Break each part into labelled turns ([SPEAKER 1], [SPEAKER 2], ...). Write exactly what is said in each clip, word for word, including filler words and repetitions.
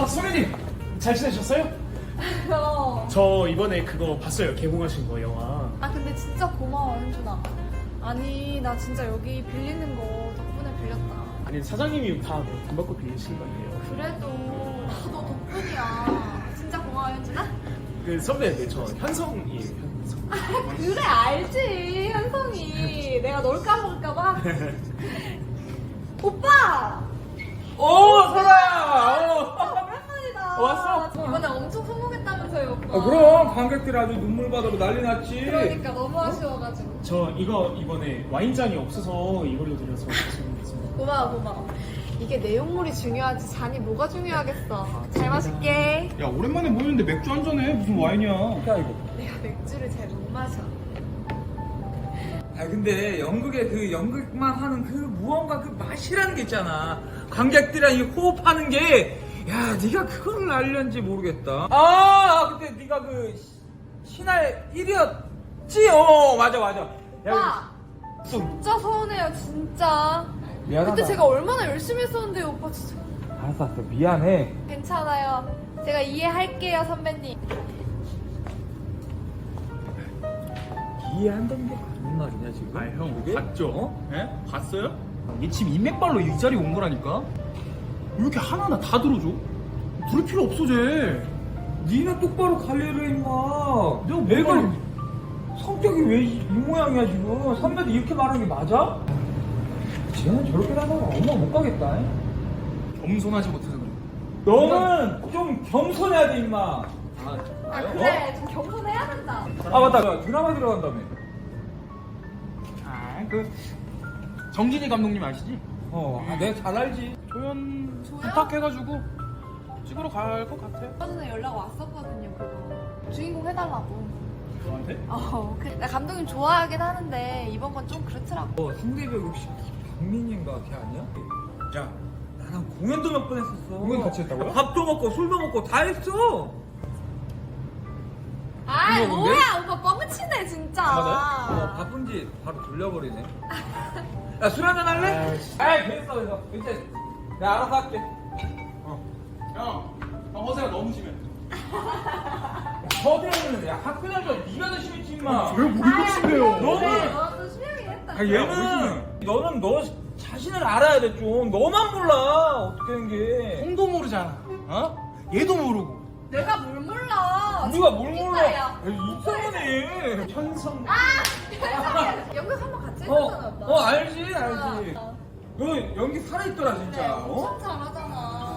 [SPEAKER 1] 소매님 잘 지내셨어요?
[SPEAKER 2] 어.
[SPEAKER 1] 저 이번에 그거 봤어요. 개봉하신 거 영화.
[SPEAKER 2] 아 근데 진짜 고마워 현준아. 아니 나 진짜 여기 빌리는 거 덕분에 빌렸다.
[SPEAKER 1] 아니 사장님이 다 돈 받고 빌리신 건데요.
[SPEAKER 2] 그래도 너 덕분이야. 진짜 고마워 현준아.
[SPEAKER 1] 그 선배, 네, 저 현성이에요. 현성.
[SPEAKER 2] 아 그래 알지 현성이. 내가 널 까먹을까봐. 오빠.
[SPEAKER 3] 오, 설아야! 어.
[SPEAKER 2] 오랜만이다.
[SPEAKER 3] 왔어?
[SPEAKER 2] 이번에 엄청 성공했다면서요 오빠.
[SPEAKER 3] 아, 그럼 관객들 아주 눈물바다로 난리 났지.
[SPEAKER 2] 그러니까 너무 아쉬워가지고.
[SPEAKER 1] 저 이거 이번에 와인잔이 없어서 이걸로 드려서 죄송했습니다.
[SPEAKER 2] 고마워 고마워. 이게 내용물이 중요하지 잔이 뭐가 중요하겠어. 잘 마실게.
[SPEAKER 3] 야, 오랜만에 모이는데 맥주 한 잔해. 무슨 와인이야. 야, 이거.
[SPEAKER 2] 내가 맥주를 잘 못 마셔.
[SPEAKER 4] 아 근데 연극에 그 연극만 하는 그 무언가 그 맛이라는 게 있잖아. 관객들이랑 이 호흡하는 게, 야 네가 그걸 알렸는지 모르겠다. 아 그때 네가 그 시- 신할 일 위였지? 어 맞아 맞아. 야,
[SPEAKER 2] 오빠
[SPEAKER 4] 또
[SPEAKER 2] 진짜 서운해요 진짜.
[SPEAKER 4] 미안하다.
[SPEAKER 2] 그때 제가 얼마나 열심히 했었는데 오빠 진짜.
[SPEAKER 4] 알았어 알았어 미안해.
[SPEAKER 2] 괜찮아요. 제가 이해할게요 선배님.
[SPEAKER 4] 이해한다는 게 맞는 말이냐 지금?
[SPEAKER 3] 아, 형,
[SPEAKER 4] 그게?
[SPEAKER 3] 봤죠?
[SPEAKER 4] 어?
[SPEAKER 3] 예? 봤어요? 얘 지금 인맥발로 이 자리에 온 거라니까? 왜 이렇게 하나하나 다 들어줘? 들을 필요 없어, 쟤.
[SPEAKER 4] 니네 똑바로 관리를 해 임마.
[SPEAKER 3] 내가
[SPEAKER 4] 내가
[SPEAKER 3] 뭐가-
[SPEAKER 4] 성격이 왜 이 모양이야 지금? 선배들 이렇게 말하는 게 맞아? 쟤는 저렇게 하다가 엄마 못 가겠다. 잉?
[SPEAKER 3] 겸손하지 못해서 그래.
[SPEAKER 4] 너는 좀 겸손해야 돼 임마.
[SPEAKER 3] 아,
[SPEAKER 2] 아 그래 좀 겸손해야 된다.
[SPEAKER 4] 아 맞다 야, 드라마 들어간다며.
[SPEAKER 3] 아, 그, 정진이 감독님 아시지?
[SPEAKER 4] 어 아, 내가 잘 알지.
[SPEAKER 3] 조연
[SPEAKER 2] 조연?
[SPEAKER 3] 부탁해가지고 찍으러 갈 것 같아.
[SPEAKER 2] 얼마 전에 연락 왔었거든요 그거. 주인공 해달라고.
[SPEAKER 3] 저한테?
[SPEAKER 2] 어, 그, 나 감독님 좋아하긴 하는데 이번 건 좀 그렇더라고.
[SPEAKER 4] 어 상대배우 혹시 박민인가 걔 아니야? 야 나랑 공연도 몇 번 했었어.
[SPEAKER 3] 공연 같이 했다고요?
[SPEAKER 4] 밥도 먹고 술도 먹고 다 했어.
[SPEAKER 2] 아
[SPEAKER 4] 그거 뭔데?
[SPEAKER 2] 뭐야 오빠 뻥치네 진짜.
[SPEAKER 4] 어, 바쁜지 바로 돌려버리네. 야, 술 한잔 할래? 아이, 됐어, 됐어. 이제 내가 알아서 할게.
[SPEAKER 3] 형, 형 허세가 너무 심해.
[SPEAKER 4] 서대는 야, 학교 다니까 네가 더 심했지, 임마.
[SPEAKER 3] 왜 우리가 심해요?
[SPEAKER 4] 너는-
[SPEAKER 2] 너도 수영이 했다.
[SPEAKER 4] 아, 얘는, 너는 너 자신을 알아야 돼, 좀. 너만 몰라, 어떻게 된 게.
[SPEAKER 3] 형도 모르잖아. 어? 얘도 모르고.
[SPEAKER 2] 내가 뭘 몰라.
[SPEAKER 4] 우리가 뭘 몰라.
[SPEAKER 2] 인싸야.
[SPEAKER 4] 야, 이상하네.
[SPEAKER 1] 현성.
[SPEAKER 2] 현석이 연극 한 번 같이
[SPEAKER 4] 어,
[SPEAKER 2] 했잖아 오빠.
[SPEAKER 4] 어, 알지, 알지.
[SPEAKER 2] 어, 어.
[SPEAKER 4] 너 연기 살아있더라,
[SPEAKER 2] 그래
[SPEAKER 4] 진짜. 어?
[SPEAKER 2] 엄청 잘하잖아.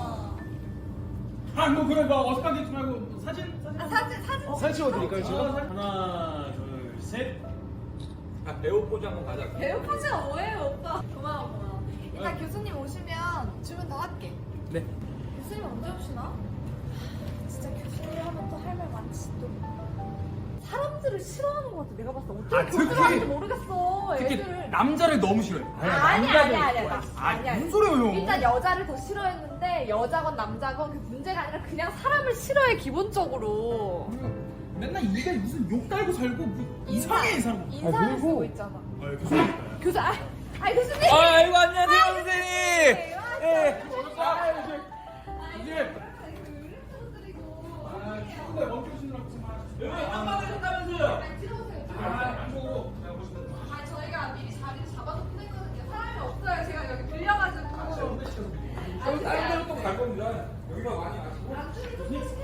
[SPEAKER 3] 아, 뭐 그래, 너 어색하게 있지 말고 사진, 사진.
[SPEAKER 2] 아, 사진 사진.
[SPEAKER 1] 사진 찍어드릴까요 제가?
[SPEAKER 3] 하나, 둘, 셋.
[SPEAKER 4] 아, 배우 포즈 한번 가자.
[SPEAKER 2] 배우 포즈가 뭐예요 오빠? 고마워 고마워. 일단 교수님 오시면 주문 더 할게.
[SPEAKER 4] 네.
[SPEAKER 2] 교수님 언제 오시나? 진짜 교수님 하면 또 할 말 많지 또. 사람들을 싫어하는 것 같아. 내가 봤을 때 어떻게
[SPEAKER 3] 아,
[SPEAKER 2] 그렇게
[SPEAKER 3] 특히-
[SPEAKER 2] 하는지 모르겠어.
[SPEAKER 3] 특히
[SPEAKER 2] 애들을.
[SPEAKER 3] 남자를 너무 싫어해.
[SPEAKER 2] 아니야 아니야 아니야 아니야.
[SPEAKER 3] 아,
[SPEAKER 2] 아니야.
[SPEAKER 3] 무슨 소리예요?
[SPEAKER 2] 일단 여자를 더 싫어했는데 여자건 남자건 그 문제가 아니라 그냥 사람을 싫어해 기본적으로.
[SPEAKER 3] 맨날 입에 무슨 욕 달고 살고 뭐 이상해 이 사람.
[SPEAKER 2] 인사를
[SPEAKER 4] 아, 그리고-
[SPEAKER 2] 쓰고 있잖아.
[SPEAKER 3] 아, 교수님.
[SPEAKER 2] 교수 아, 아이 교수님.
[SPEAKER 4] 아, 아이고, 안녕하세요, 선생님.
[SPEAKER 2] 네,
[SPEAKER 4] 예.
[SPEAKER 3] 아, 이제 이제
[SPEAKER 2] 드리고.
[SPEAKER 3] 아, 축구대 멈추시느라고 정말.
[SPEAKER 4] 여기 한마디 했다면서요?
[SPEAKER 2] 들어오세요.
[SPEAKER 3] 아, 안 보고 내가 보시는 거.
[SPEAKER 2] 아 저희가 미리 자리를 잡아놓긴 했거든요. 사람이 없어요. 제가 여기 빌려가지고.
[SPEAKER 3] 아, 진짜 혼내시켜서 드릴게요.
[SPEAKER 4] 저희 다른 데로 또 갈 겁니다. 여기가 많이 아시고.
[SPEAKER 2] 나중에 좀